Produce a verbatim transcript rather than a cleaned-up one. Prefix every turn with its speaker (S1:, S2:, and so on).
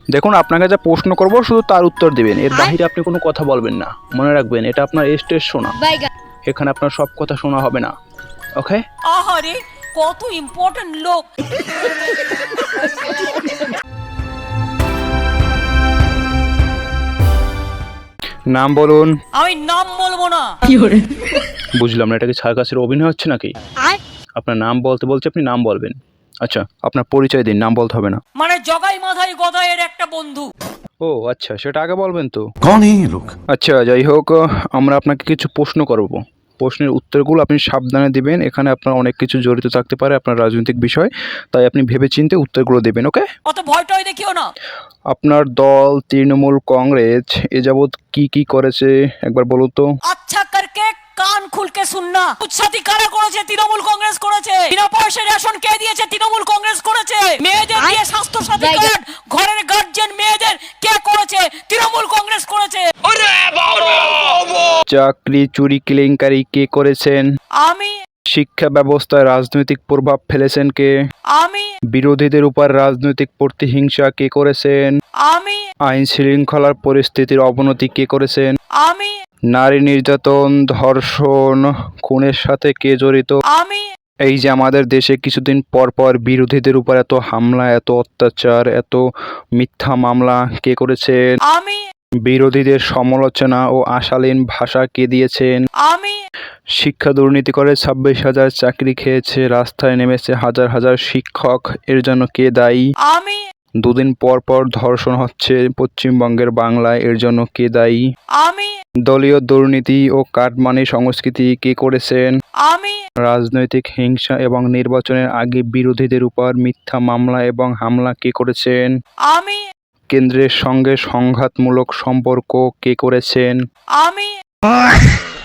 S1: দেখুন, আপনাকে যা প্রশ্ন করব শুধু তার উত্তর দিবেন, এর বাহিরে আপনি কোনো কথা বলবেন না। মনে রাখবেন, এটা আপনার স্টেজ শোনা, এখানে আপনার সব কথা শোনা হবে না। ওকে?
S2: আহারে কত ইম্পর্টেন্ট লোক।
S1: নাম বলুন।
S2: আমি নাম বলবো না।
S1: বুঝলাম না, এটা কি সার্কাসের অভিনয় হচ্ছে নাকি? আপনার নাম বলতে বলছে, আপনি নাম বলবেন। আচ্ছা, আপনার পরিচয় দিন, নাম বলতে হবে না।
S2: মানে জগাই মাথায় গদায়ের একটা বন্ধু।
S1: ও আচ্ছা, সেটা আগে বলবেন তো।
S3: कौन है ये लोग?
S1: আচ্ছা, যাই হোক, আমরা আপনাকে কিছু প্রশ্ন করব। প্রশ্নের উত্তরগুলো আপনি সাবধানে দিবেন। এখানে আপনার অনেক কিছু জড়িত থাকতে পারে, আপনার রাজনৈতিক বিষয়, তাই আপনি ভেবেচিন্তে উত্তরগুলো দেবেন। ওকে?
S2: অত ভয় টয় দেখিও না।
S1: আপনার দল তৃণমূল কংগ্রেস এ যাবৎ কি কি করেছে একবার বলুন তো।
S2: আচ্ছা করকে কান খুলকে শুননা। উৎসাতি কারা করেছে? তৃণমূল কংগ্রেস করেছে। বিনা পয়সা রেশন কে দিয়েছে? তৃণমূল কংগ্রেস করেছে। মেয়েদের দিয়ে স্বাস্থ্য সাথী কার্ড, ঘরের গার্জিয়ান মেয়েদের কে করেছে? তৃণমূল কংগ্রেস করেছে।
S1: চাকরি চুরি কেলেঙ্কারি কে করেছেন?
S2: আমি
S1: শিক্ষা ব্যবস্থায় রাজনৈতিক প্রভাব ফেলেছেন কে?
S2: আমি
S1: বিরোধীদের উপর রাজনৈতিক প্রতিহিংসা কে করেছেন?
S2: আমি
S1: আইন শৃঙ্খলার পরিস্থিতির অবনতি কে করেছেন?
S2: আমি
S1: নারী নির্যাতন, ধর্ষণ, খুনের সাথে কে জড়িত?
S2: আমি
S1: এই যে আমাদের দেশে কিছুদিন পর পর বিরোধীদের উপর এত হামলা, এত অত্যাচার, এত মিথ্যা মামলা কে করেছেন?
S2: আমি
S1: বিরোধীদের সমালোচনা ও অশালীন ভাষা কে দিয়েছেন?
S2: আমি
S1: শিক্ষা দুর্নীতি করে ছাব্বিশ হাজার চাকরি খেয়েছে, রাস্তায় নেমেছে হাজার হাজার শিক্ষক, এর জন্য কে দায়ী?
S2: আমি
S1: দুদিন পর পর ধর্ষণ হচ্ছে পশ্চিমবঙ্গের বাংলায়, এর জন্য কে দায়ী?
S2: আমি
S1: দলীয় দুর্নীতি ও কাটমানি সংস্কৃতি কে করেছেন?
S2: আমি
S1: রাজনৈতিক হিংসা এবং নির্বাচনের আগে বিরোধীদের উপর মিথ্যা মামলা এবং হামলা কে করেছেন?
S2: আমি
S1: কেন্দ্রের সঙ্গে সংঘাতমূলক সম্পর্ক কে করেছেন?
S2: আমি